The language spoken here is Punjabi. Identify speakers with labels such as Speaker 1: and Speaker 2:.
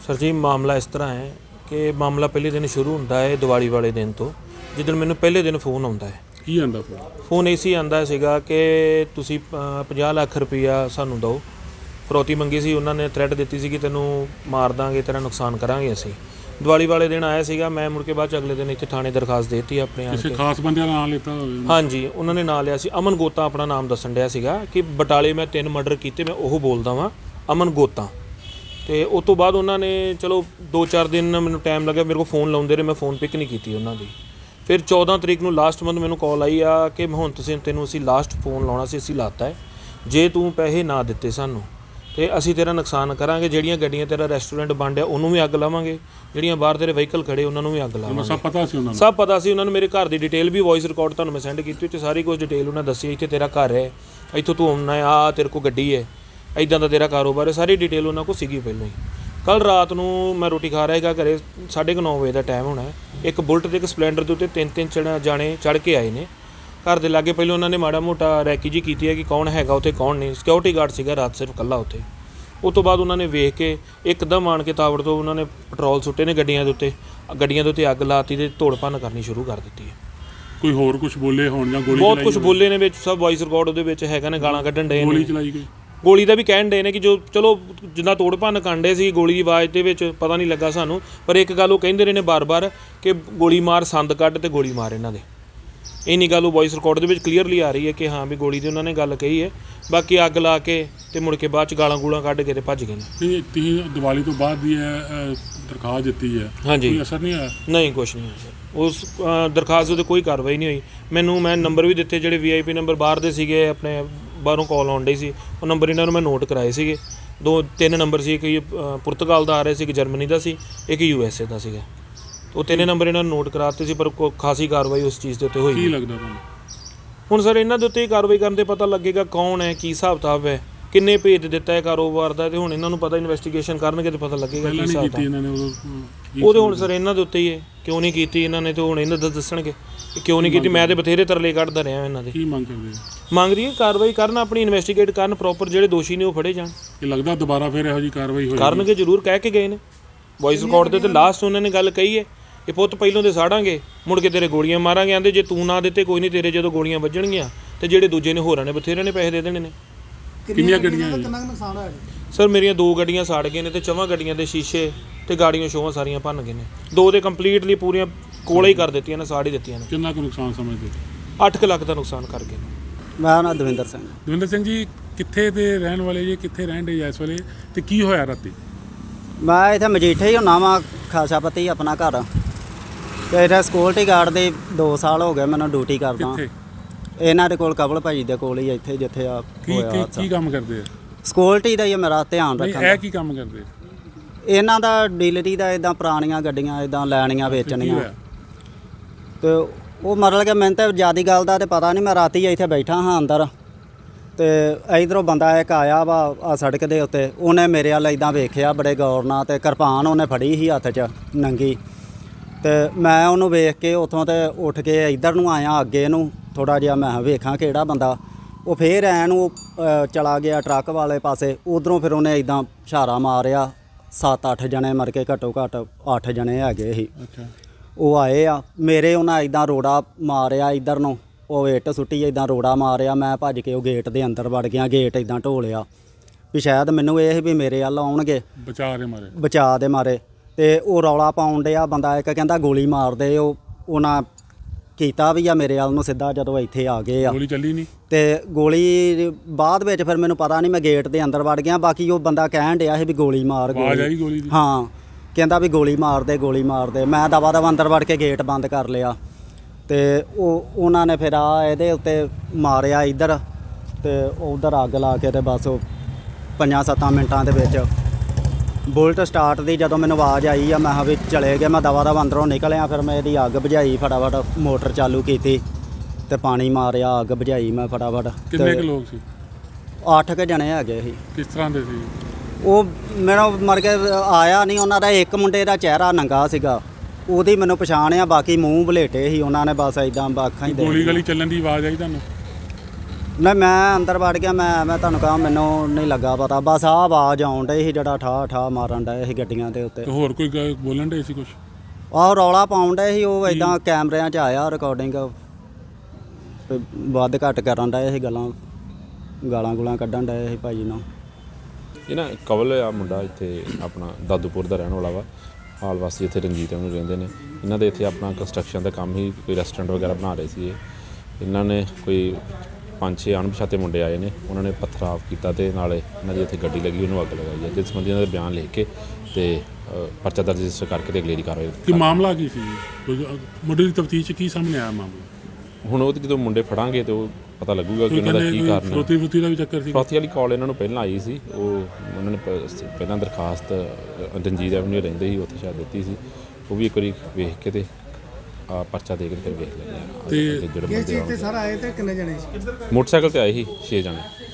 Speaker 1: ਸਰ ਜੀ ਮਾਮਲਾ ਇਸ ਤਰ੍ਹਾਂ ਹੈ ਕਿ ਮਾਮਲਾ ਪਹਿਲੇ ਦਿਨ ਸ਼ੁਰੂ ਹੁੰਦਾ ਹੈ ਦੀਵਾਲੀ ਵਾਲੇ ਦਿਨ ਤੋਂ, ਜਿੱਦਣ ਮੈਨੂੰ ਪਹਿਲੇ ਦਿਨ ਫੋਨ ਆਉਂਦਾ ਹੈ।
Speaker 2: ਕੀ ਆਂਦਾ
Speaker 1: ਫੋਨ ਇਸੀ ਆਂਦਾ ਸੀਗਾ ਕਿ ਤੁਸੀਂ 50 ਲੱਖ ਰੁਪਈਆ ਸਾਨੂੰ ਦਿਓ। ਫਰੋਤੀ ਮੰਗੀ ਸੀ, ਉਹਨਾਂ ਨੇ ਥ੍ਰੈਟ ਦਿੱਤੀ ਸੀ ਕਿ ਤੈਨੂੰ ਮਾਰ ਦਾਂਗੇ, ਤੇਰਾ ਨੁਕਸਾਨ ਕਰਾਂਗੇ ਅਸੀਂ। ਦੀਵਾਲੀ ਵਾਲੇ ਦਿਨ ਆਇਆ ਸੀਗਾ, ਮੈਂ ਮੁੜ ਕੇ ਬਾਅਦ 'ਚ ਅਗਲੇ ਦਿਨ ਇੱਥੇ ਥਾਣੇ ਦਰਖਾਸਤ ਦੇਤੀ ਆਪਣੇ ਆਣ
Speaker 2: ਕਿਸੇ
Speaker 1: ਕੇ।
Speaker 2: ਖਾਸ ਬੰਦੇ ਦਾ ਨਾਮ ਲਿੱਤਾ ਹੋਵੇ?
Speaker 1: ਹਾਂਜੀ, ਉਹਨਾਂ ਨੇ ਨਾਂ ਲਿਆ ਸੀ ਅਮਨ ਗੋਤਾ, ਆਪਣਾ ਨਾਮ ਦੱਸਣ ਡਿਆ ਸੀਗਾ ਕਿ ਬਟਾਲੇ ਮੈਂ 3 ਮਰਡਰ ਕੀਤੇ, ਮੈਂ ਉਹ ਬੋਲਦਾ ਵਾਂ ਅਮਨ ਗੋਤਾ। ਤੇ ਉਸ ਤੋਂ ਬਾਅਦ ਉਹਨਾਂ ਨੇ ਚਲੋ 2-4 ਦਿਨ ਮੈਨੂੰ ਟਾਈਮ ਲੱਗਿਆ, ਮੇਰੇ ਕੋਲ ਫੋਨ ਲਾਉਂਦੇ ਰਹੇ, ਮੈਂ ਫੋਨ ਪਿਕ ਨਹੀਂ ਕੀਤੀ ਉਹਨਾਂ ਦੀ। ਫਿਰ 14 ਤਰੀਕ ਨੂੰ ਲਾਸਟ ਮੰਥ ਮੈਨੂੰ ਕਾਲ ਆਈ ਆ ਕਿ ਹੁਣ ਤੈਨੂੰ ਅਸੀਂ ਲਾਸਟ ਫੋਨ ਲਾਉਣਾ ਸੀ, ਅਸੀਂ ਲਾਤਾ ਹੈ, ਜੇ ਤੂੰ ਪੈਸੇ ਨਾ ਦਿੱਤੇ ਸਾਨੂੰ ਤੇ ਅਸੀਂ ਤੇਰਾ ਨੁਕਸਾਨ ਕਰਾਂਗੇ। ਜਿਹੜੀਆਂ ਗੱਡੀਆਂ ਤੇਰਾ ਰੈਸਟੋਰੈਂਟ ਬੰਦ ਆ ਉਹਨੂੰ ਵੀ ਅੱਗ ਲਾਵਾਂਗੇ, ਜਿਹੜੀਆਂ ਬਾਹਰ ਤੇਰੇ ਵਹੀਕਲ ਖੜੇ ਉਹਨਾਂ ਨੂੰ ਵੀ ਅੱਗ ਲਾਵਾਂਗੇ।
Speaker 2: ਸਭ ਪਤਾ ਸੀ ਉਹਨਾਂ ਨੂੰ?
Speaker 1: ਸਭ ਪਤਾ ਸੀ ਉਹਨਾਂ ਨੂੰ। ਮੇਰੇ ਘਰ ਦੀ ਡਿਟੇਲ ਵੀ ਵੌਇਸ ਰਿਕਾਰਡ ਤੁਹਾਨੂੰ ਮੈਂ ਸੈਂਡ ਕੀਤੀ, ਉੱਥੇ ਸਾਰੀ ਕੁਝ ਡਿਟੇਲ ਉਹਨਾਂ ਦੱਸੀ। ਇੱਥੇ ਤੇਰਾ ਘਰ ਹੈ, ਇੱਥੋਂ ਤੂੰ ਆਉਣਾ ਹੈ, ਆ ਤੇਰੇ ਕੋਲ ਗੱਡੀ ਹੈ, ਇੱਦਾਂ ਦਾ ਤੇਰਾ ਕਾਰੋਬਾਰ ਹੈ, ਸਾਰੀ ਡਿਟੇਲ ਉਹਨਾਂ ਕੋਲ ਸੀਗੀ ਪਹਿਲਾਂ ਹੀ। ਕੱਲ੍ਹ ਰਾਤ ਨੂੰ ਮੈਂ ਰੋਟੀ ਖਾ ਰਿਹਾ ਸੀਗਾ ਘਰੇ, 9:30 ਵਜੇ ਦਾ ਟਾਈਮ ਹੋਣਾ। ਇੱਕ ਬੁਲਟ ਤੇ ਇੱਕ ਸਪਲੈਂਡਰ ਦੇ ਉੱਤੇ 3-3 ਜਾਣੇ ਚੜ੍ਹ ਕੇ ਆਏ ਨੇ ਘਰ ਦੇ ਲਾਗੇ। ਪਹਿਲਾਂ ਉਹਨਾਂ ਨੇ ਮਾੜਾ ਮੋਟਾ ਰੈਕੀ ਜੀ ਕੀਤੀ ਹੈ ਕਿ ਕੌਣ ਹੈਗਾ ਉੱਥੇ ਕੌਣ ਨਹੀਂ। ਸਿਕਿਉਰਿਟੀ ਗਾਰਡ ਸੀਗਾ ਰਾਤ ਸਿਰਫ ਇਕੱਲਾ ਉੱਥੇ। ਉਸ ਤੋਂ ਬਾਅਦ ਉਹਨਾਂ ਨੇ ਵੇਖ ਕੇ ਇੱਕਦਮ ਆਣ ਕੇ ਤਾਵੜ ਤੋਂ ਉਹਨਾਂ ਨੇ ਪੈਟਰੋਲ ਸੁੱਟੇ ਨੇ ਗੱਡੀਆਂ ਦੇ ਉੱਤੇ ਅੱਗ ਲਾਤੀ ਤੇ ਤੋੜ ਭੰਨ ਕਰਨੀ ਸ਼ੁਰੂ ਕਰ ਦਿੱਤੀ ਹੈ।
Speaker 2: ਕੋਈ ਹੋਰ ਕੁਝ ਬੋਲੇ ਹੋਣ ਜਾਂ ਗੋਲੀ?
Speaker 1: ਬਹੁਤ ਕੁਝ ਬੋਲੇ ਨੇ ਵਿੱਚ, ਸਭ ਵੌਇਸ ਰਿਕਾਰਡ ਉਹਦੇ ਵਿੱਚ ਹੈਗਾ ਨੇ, ਗਾਲਾਂ ਕੱਢਣ ਡਏ ਨੇ।
Speaker 2: ਗੋਲੀ ਚਲਾਈ ਗਈ?
Speaker 1: ਗੋਲੀ ਦਾ ਵੀ ਕਹਿਣ ਡਏ ਨੇ ਕਿ ਜੋ ਚਲੋ ਜਿੰਨਾ ਤੋੜ ਭੰਨ ਕਾਂਡੇ ਸੀ, ਗੋਲੀ ਦੀ ਆਵਾਜ਼ ਦੇ ਵਿੱਚ ਪਤਾ ਨਹੀਂ ਲੱਗਾ ਸਾਨੂੰ, ਪਰ ਇੱਕ ਗੱਲ ਉਹ ਕਹਿੰਦੇ ਰਹੇ ਨੇ ਬਾਰ-ਬਾਰ ਕਿ ਗੋਲੀ ਮਾਰ, ਸੰਦ ਕੱਢ ਤੇ ਗੋਲੀ ਮਾਰ ਇਹਨਾਂ ਦੇ। ਇੰਨੀ ਗੱਲ ਉਹ ਵੌਇਸ ਰਿਕਾਰਡ ਦੇ ਵਿੱਚ ਕਲੀਅਰਲੀ ਆ ਰਹੀ ਹੈ ਕਿ ਹਾਂ ਵੀ ਗੋਲੀ ਦੀ ਉਹਨਾਂ ਨੇ ਗੱਲ ਕਹੀ ਹੈ। ਬਾਕੀ ਅੱਗ ਲਾ ਕੇ ਤੇ ਮੁੜ ਕੇ ਬਾਅਦ 'ਚ ਗਾਲਾਂ ਗੂਲਾਂ ਕੱਢ ਕੇ ਤੇ ਭੱਜ ਗਏ ਨੇ।
Speaker 2: ਨਹੀਂ, ਤੁਸੀਂ ਦੀਵਾਲੀ ਤੋਂ ਬਾਅਦ ਦੀ ਦਰਖਾਸਤ ਦਿੱਤੀ ਹੈ,
Speaker 1: ਹਾਂਜੀ,
Speaker 2: ਕੋਈ ਅਸਰ ਨਹੀਂ ਆਇਆ?
Speaker 1: ਨਹੀਂ, ਕੁਛ ਨਹੀਂ ਹੋਇਆ ਸਰ। ਉਸ ਦਰਖਾਸਤ ਉੱਤੇ ਕੋਈ ਕਾਰਵਾਈ ਨਹੀਂ ਹੋਈ। ਮੈਂ ਨੰਬਰ ਵੀ ਦਿੱਤੇ, ਜਿਹੜੇ VIP ਨੰਬਰ ਬਾਹਰ ਦੇ ਸੀਗੇ, ਆਪਣੇ ਬਾਹਰੋਂ ਕਾਲ ਆਉਣ ਡਈ ਸੀ, ਉਹ ਨੰਬਰ ਇਹਨਾਂ ਨੂੰ ਮੈਂ ਨੋਟ ਕਰਾਏ ਸੀਗੇ। 2-3 ਨੰਬਰ ਸੀ, ਇੱਕ ਪੁਰਤਗਾਲ ਦਾ ਆ ਰਿਹਾ ਸੀ, ਇੱਕ ਜਰਮਨੀ ਦਾ ਸੀ, ਇੱਕ USA ਦਾ ਸੀਗਾ। ਉਹ 3 ਨੰਬਰ ਇਹਨਾਂ ਨੂੰ ਨੋਟ ਕਰਾ ਦਿੱਤੇ ਸੀ, ਪਰ ਖਾਸੀ ਕਾਰਵਾਈ ਉਸ ਚੀਜ਼ ਦੇ ਉੱਤੇ ਹੋਈ।
Speaker 2: ਕੀ ਲੱਗਦਾ ਤੁਹਾਨੂੰ
Speaker 1: ਹੁਣ ਸਰ ਇਹਨਾਂ ਦੇ ਉੱਤੇ ਹੀ ਕਾਰਵਾਈ ਕਰਨ 'ਤੇ ਪਤਾ ਲੱਗੇਗਾ ਕੌਣ ਹੈ, ਕੀ ਹਿਸਾਬ ਕਿਤਾਬ ਹੈ, ਕਿੰਨੇ ਭੇਜ ਦਿੱਤਾ ਹੈ ਕਾਰੋਬਾਰ ਦਾ। ਤੇ ਹੁਣ ਇਹਨਾਂ ਨੂੰ ਪਤਾ, ਇਨਵੈਸਟੀਗੇਸ਼ਨ ਕਰਨਗੇ ਤੇ ਪਤਾ ਲੱਗੇਗਾ ਕੀ ਹਿਸਾਬ ਕਿਤਾਬ। ਉਹ ਤੇ ਹੁਣ ਸਰ ਇਹਨਾਂ ਦੇ ਉੱਤੇ ਹੀ ਹੈ, ਕਿਉਂ ਨਹੀਂ ਕੀਤੀ ਇਹਨਾਂ ਨੇ, ਤੇ ਹੁਣ ਇਹਨਾਂ ਦਾ ਦੱਸਣਗੇ ਕਿ ਕਿਉਂ ਨਹੀਂ ਕੀਤੀ। ਮੈਂ ਤੇ ਬਥੇਰੇ ਤਰਲੇ ਕੱਢਦਾ ਰਿਹਾ ਇਹਨਾਂ ਦੇ।
Speaker 2: ਕੀ ਮੰਗ ਕਰਦੇ?
Speaker 1: ਮੰਗ ਰਹੀ ਹੈ ਕਾਰਵਾਈ ਕਰਨ, ਆਪਣੀ ਇਨਵੈਸਟੀਗੇਟ ਕਰਨ ਪ੍ਰੋਪਰ, ਜਿਹੜੇ ਦੋਸ਼ੀ ਨੇ ਉਹ ਫੜੇ ਜਾਣ।
Speaker 2: ਇਹ ਲੱਗਦਾ ਦੁਬਾਰਾ ਫਿਰ ਇਹੋ ਜਿਹੀ ਕਾਰਵਾਈ ਹੋਏਗੀ?
Speaker 1: ਕਰਨਗੇ ਜ਼ਰੂਰ, ਕਹਿ ਕੇ ਗਏ ਨੇ ਵੌਇਸ ਰਿਕਾਰਡ ਦੇ ਤੇ ਲਾਸਟ ਉਹਨਾਂ ਨੇ ਗੱਲ ਕਹੀ ਹੈ ਕਿ ਪੁੱਤ ਪਹਿਲੋਂ ਦੇ ਸਾੜਾਂਗੇ, ਮੁੜ ਕੇ ਤੇਰੇ ਗੋਲੀਆਂ ਮਾਰਾਂਗੇ। ਆਂਦੇ ਜੇ ਤੂੰ ਨਾ ਦਿੱਤੇ ਕੋਈ ਨਹੀਂ, ਤੇਰੇ ਜਦੋਂ ਗੋਲੀਆਂ ਵੱਜਣਗੀਆਂ ਤੇ ਜਿਹੜੇ ਦੂਜੇ ਨੇ ਹੋਰਾਂ ਨੇ ਬਥੇਰੇ ਨੇ ਪੈਸੇ ਦੇ ਦੇਣੇ ਨੇ।
Speaker 2: ਕਿੰਨੀਆਂ ਗੱਡੀਆਂ?
Speaker 3: ਕਿੰਨਾ ਨੁਕਸਾਨ ਹੋਇਆ?
Speaker 1: ਸਰ ਮੇਰੀਆਂ 2 ਗੱਡੀਆਂ ਸਾੜ ਗਏ ਨੇ ਤੇ 4 ਗੱਡੀਆਂ ਦੇ ਸ਼ੀਸ਼ੇ ਤੇ ਗਾੜੀਆਂ ਸ਼ੋਆਂ ਸਾਰੀਆਂ ਭੰਨ ਗਏ ਨੇ। 2 ਦੇ ਕੰਪਲੀਟਲੀ ਪੂਰੀਆਂ ਕੋਲੇ ਹੀ ਕਰ ਦਿੱਤੀਆਂ ਨੇ, ਸਾੜ ਹੀ ਦਿੱਤੀਆਂ ਨੇ।
Speaker 2: ਕਿੰਨਾ ਕੁ ਨੁਕਸਾਨ ਸਮਝਦੇ?
Speaker 1: 8 ਲੱਖ ਦਾ ਨੁਕਸਾਨ ਕਰ ਗਏ ਨੇ।
Speaker 3: ਮੇਰਾ ਨਾਮ ਦਵਿੰਦਰ ਸਿੰਘ।
Speaker 2: ਦਵਿੰਦਰ ਸਿੰਘ ਜੀ, ਕਿੱਥੇ ਦੇ ਰਹਿਣ ਵਾਲੇ ਜੀ? ਕਿੱਥੇ ਰਹਿਣ ਦੇ ਇਸ ਵੇਲੇ ਤੇ ਕੀ ਹੋਇਆ ਰਾਤੀ?
Speaker 3: ਮੈਂ ਇੱਥੇ ਮਜੀਠੇ ਹੀ ਹੁੰਨਾ ਵਾਂ, ਖਾਸਾਪਤੀ ਆਪਣਾ ਘਰ। ਤੇ ਇੱਥੇ ਸਿਕਿਉਰਿਟੀ ਗਾਰਡ ਦੇ 2 ਸਾਲ ਹੋ ਗਏ ਮੈਨੂੰ ਡਿਊਟੀ ਕਰਦਾ।
Speaker 2: ਕਿੱਥੇ?
Speaker 3: ਇਹਨਾਂ ਦੇ ਕੋਲ, ਕਬਲ ਭਾਜੀ ਦੇ ਕੋਲ ਹੀ, ਇੱਥੇ ਜਿੱਥੇ ਆ ਹੋਇਆ।
Speaker 2: ਕੀ ਕੰਮ ਕਰਦੇ ਆ?
Speaker 3: ਸਿਕਿਉਰਿਟੀ ਦਾ ਹੀ ਮੇਰਾ ਧਿਆਨ ਰੱਖਣਾ।
Speaker 2: ਇਹ ਕੀ ਕੰਮ ਕਰਦੇ?
Speaker 3: ਇਹਨਾਂ ਦਾ ਡੀਲਰੀ ਦਾ, ਇਦਾਂ ਪੁਰਾਣੀਆਂ ਗੱਡੀਆਂ ਇਦਾਂ ਲੈਣੀਆਂ ਵੇਚਣੀਆਂ। ਤੇ ਉਹ ਮਤਲਬ ਕਿ ਮੈਨੂੰ ਤਾਂ ਜ਼ਿਆਦਾ ਗੱਲ ਦਾ ਤਾਂ ਪਤਾ ਨਹੀਂ। ਮੈਂ ਰਾਤੀ ਇੱਥੇ ਬੈਠਾ ਹਾਂ ਅੰਦਰ, ਤੇ ਇਧਰੋਂ ਬੰਦਾ ਇੱਕ ਆਇਆ ਵਾ ਆ ਸੜਕ ਦੇ ਉੱਤੇ। ਉਹਨੇ ਮੇਰੇ ਵੱਲ ਇਦਾਂ ਵੇਖਿਆ ਬੜੇ ਗੌਰ ਨਾਲ, ਤੇ ਕਿਰਪਾਨ ਉਹਨੇ ਫੜੀ ਸੀ ਹੱਥ 'ਚ ਨੰਗੀ। ਤੇ ਮੈਂ ਉਹਨੂੰ ਵੇਖ ਕੇ ਉੱਥੋਂ ਤੇ ਉੱਠ ਕੇ ਇੱਧਰ ਨੂੰ ਆਇਆ ਅੱਗੇ ਨੂੰ ਥੋੜ੍ਹਾ ਜਿਹਾ, ਮੈਂ ਵੇਖਾਂ ਕਿਹੜਾ ਬੰਦਾ। ਉਹ ਫੇਰ ਐਨ ਉਹ ਚਲਾ ਗਿਆ ਟਰੱਕ ਵਾਲੇ ਪਾਸੇ। ਉੱਧਰੋਂ ਫਿਰ ਉਹਨੇ ਇਦਾਂ ਇਸ਼ਾਰਾ ਮਾਰਿਆ। 7-8 ਜਣੇ ਮਰ ਕੇ, ਘੱਟੋ ਘੱਟ 8 ਜਣੇ ਹੈਗੇ ਸੀ। ਉਹ ਆਏ ਆ ਮੇਰੇ, ਉਹਨਾਂ ਇਦਾਂ ਰੋੜਾ ਮਾਰਿਆ ਇੱਧਰ ਨੂੰ, ਉਹ ਇੱਟ ਸੁੱਟੀ ਇਦਾਂ ਰੋੜਾ ਮਾਰਿਆ। ਮੈਂ ਭੱਜ ਕੇ ਉਹ ਗੇਟ ਦੇ ਅੰਦਰ ਵੜ ਗਿਆ, ਗੇਟ ਇਦਾਂ ਢੋਲਿਆ ਵੀ ਸ਼ਾਇਦ ਮੈਨੂੰ ਇਹ ਵੀ ਮੇਰੇ ਵੱਲ ਆਉਣਗੇ, ਬਚਾ ਦੇ ਮਾਰੇ। ਤੇ ਉਹ ਰੌਲਾ ਪਾਉਣ ਡਿਆ ਬੰਦਾ ਇੱਕ, ਕਹਿੰਦਾ ਗੋਲੀ ਮਾਰ ਦੇ। ਉਹਨਾਂ ਕੀਤਾ ਵੀ ਆ ਮੇਰੇ ਵੱਲ ਨੂੰ ਸਿੱਧਾ। ਜਦੋਂ ਇੱਥੇ ਆ ਗਏ ਆ,
Speaker 2: ਗੋਲੀ ਚੱਲੀ ਨਹੀਂ? ਤੇ
Speaker 3: ਗੋਲੀ ਬਾਅਦ ਵਿੱਚ ਫਿਰ ਮੈਨੂੰ ਪਤਾ ਨਹੀਂ, ਮੈਂ ਗੇਟ ਦੇ ਅੰਦਰ ਵੜ ਗਿਆ। ਬਾਕੀ ਉਹ ਬੰਦਾ ਕਹਿਣ ਡਿਆ ਸੀ ਵੀ ਗੋਲੀ ਮਾਰ।
Speaker 2: ਆਵਾਜ਼ ਆਈ ਗੋਲੀ ਦੀ?
Speaker 3: ਹਾਂ, ਕਹਿੰਦਾ ਵੀ ਗੋਲੀ ਮਾਰ ਦੇ, ਗੋਲੀ ਮਾਰ ਦੇ। ਮੈਂ ਦਵਾ ਦਵਾ ਅੰਦਰ ਵੜ ਕੇ ਗੇਟ ਬੰਦ ਕਰ ਲਿਆ। ਤੇ ਉਹਨਾਂ ਨੇ ਫਿਰ ਇਹਦੇ ਉੱਤੇ ਮਾਰਿਆ ਇੱਧਰ, ਤੇ ਉੱਧਰ ਅੱਗ ਲਾ ਕੇ ਤੇ ਬਸ ਉਹ 5-7 ਮਿੰਟਾਂ ਦੇ ਵਿੱਚ ਬੁਲਟ ਸਟਾਰਟ ਦੀ ਜਦੋਂ ਮੈਨੂੰ ਆਵਾਜ਼ ਆਈ ਆ, ਮੈਂ ਕਿਹਾ ਵੀ ਚਲੇ ਗਏ। ਮੈਂ ਦਵਾ ਦਵਾ ਅੰਦਰੋਂ ਨਿਕਲਿਆ, ਫਿਰ ਮੈਂ ਇਹਦੀ ਅੱਗ ਬੁਝਾਈ, ਫਟਾਫਟ ਮੋਟਰ ਚਾਲੂ ਕੀਤੀ ਤੇ ਪਾਣੀ ਮਾਰਿਆ, ਅੱਗ ਬੁਝਾਈ ਮੈਂ ਫਟਾਫਟ।
Speaker 2: ਕਿੰਨੇ ਕੁ ਲੋਕ ਸੀ?
Speaker 3: 8 ਕੁ ਜਣੇ ਹੈਗੇ ਸੀ।
Speaker 2: ਕਿਸ ਤਰ੍ਹਾਂ ਦੇ ਸੀ?
Speaker 3: ਉਹ ਮੇਰਾ ਮਰ ਕੇ ਆਇਆ ਨਹੀਂ। ਉਹਨਾਂ ਦਾ ਇੱਕ ਮੁੰਡੇ ਦਾ ਚਿਹਰਾ ਨੰਗਾ ਸੀਗਾ, ਉਹਦੀ ਮੈਨੂੰ ਪਛਾਣ ਆ। ਬਾਕੀ ਮੂੰਹ ਬਲੇਟੇ ਸੀ ਉਹਨਾਂ ਨੇ, ਬਸ ਇਦਾਂ ਅੱਖਾਂ ਹੀ।
Speaker 2: ਗੋਲੀ ਗਲੀ ਚੱਲਣ ਦੀ ਆਵਾਜ਼ ਆਈ ਤੁਹਾਨੂੰ?
Speaker 3: ਨਹੀਂ ਮੈਂ ਅੰਦਰ ਵੜ ਗਿਆ, ਮੈਂ ਤੁਹਾਨੂੰ ਕਹਾਂ ਮੈਨੂੰ ਨਹੀਂ ਲੱਗਾ ਪਤਾ, ਬਸ ਆਹ ਆਵਾਜ਼ ਆਉਣ ਡਈ ਸੀ ਜਿਹੜਾ ਠਾ ਠਾ ਮਾਰਨ ਡਏ ਸੀ ਗੱਡੀਆਂ ਦੇ ਉੱਤੇ।
Speaker 2: ਤੇ ਹੋਰ ਕੋਈ ਬੋਲਣ ਡੇ ਸੀ ਕੁਝ?
Speaker 3: ਆਹ ਰੌਲਾ ਪਾਉਣ ਡਏ ਸੀ ਉਹ, ਇਦਾਂ ਕੈਮਰਿਆਂ 'ਚ ਆਇਆ ਰਿਕਾਰਡਿੰਗ, ਵੱਧ ਘੱਟ ਕਰਨ ਡਏ ਸੀ ਗਾਲਾਂ ਗੁਲਾਂ ਕੱਢਣ ਡਏ ਸੀ ਭਾਜੀ ਨੂੰ।
Speaker 4: ਇਹ ਨਾ ਕਵਲ ਆ ਮੁੰਡਾ, ਇੱਥੇ ਆਪਣਾ ਦਾਦੂਪੁਰ ਦਾ ਰਹਿਣ ਵਾਲਾ ਵਾ, ਹਾਲ ਵਾਸੀ ਇੱਥੇ ਰਣਜੀਤ ਨੂੰ ਰਹਿੰਦੇ ਨੇ। ਇਹਨਾਂ ਦੇ ਇੱਥੇ ਆਪਣਾ ਕੰਸਟਰਕਸ਼ਨ ਦਾ ਕੰਮ ਹੀ, ਕੋਈ ਰੈਸਟੋਰੈਂਟ ਵਗੈਰਾ ਬਣਾ ਰਹੇ ਸੀ ਇਹਨਾਂ ਨੇ। ਕੋਈ 5-6 ਅਣਪਛਾਤੇ ਮੁੰਡੇ ਆਏ ਨੇ, ਉਹਨਾਂ ਨੇ ਪਥਰਾਵ ਕੀਤਾ ਤੇ ਨਾਲੇ ਇਹਨਾਂ ਦੀ ਇੱਥੇ ਗੱਡੀ ਲੱਗੀ ਉਹਨੂੰ ਅੱਗ ਲਗਾਈ ਹੈ, ਜਿਸ ਸੰਬੰਧੀ ਇਹਨਾਂ ਦੇ ਬਿਆਨ ਲਿਖ ਕੇ ਤੇ ਪਰਚਾ ਦਰਜ ਰਜਿਸਟਰ ਕਰਕੇ ਤੇ ਅਗਲੇਰੀ ਕਾਰਵਾਈ।
Speaker 2: ਕੀ ਮਾਮਲਾ ਕੀ ਸੀ? ਮੁੰਡੇ ਦੀ ਤਫਤੀਸ਼ ਕੀ ਸਾਹਮਣੇ ਆਇਆ ਮਾਮਲਾ?
Speaker 4: ਹੁਣ ਉਹ ਜਦੋਂ ਮੁੰਡੇ ਫੜਾਂਗੇ ਤੇ ਉਹ ਪਤਾ ਲੱਗੂਗਾ ਕਿ ਉਹਨਾਂ ਦਾ ਕੀ ਕਾਰਨ ਹੈ।
Speaker 2: ਫਰੋਤੀ ਦਾ ਵੀ ਚੱਕਰ ਸੀ?
Speaker 4: ਫਰੋਤੀ ਵਾਲੀ ਕਾਲ ਇਹਨਾਂ ਨੂੰ ਪਹਿਲਾਂ ਆਈ ਸੀ, ਉਹਨਾਂ ਨੇ ਪਹਿਲਾਂ ਦਰਖਾਸਤ ਰਣਜੀਤ ਐਵਨਿਊ ਰਹਿੰਦੇ ਸੀ ਉੱਥੇ ਸ਼ਾਇਦ ਦਿੱਤੀ ਸੀ, ਉਹ ਵੀ ਇੱਕ ਵਾਰੀ ਵੇਖ ਕੇ ਤੇ ਪਰਚਾ ਦੇ ਕੇ ਫਿਰ ਵੇਖ ਲੈਂਦੇ ਆ।
Speaker 2: ਤੇ
Speaker 4: ਜਿਹੜੇ ਬੰਦੇ
Speaker 5: ਤੇ ਸਰ ਆਏ ਤੇ ਕਿੰਨੇ ਜਣੇ ਸੀ?
Speaker 4: ਮੋਟਰਸਾਈਕਲ ਤੇ ਆਏ ਸੀ 6 ਜਣੇ।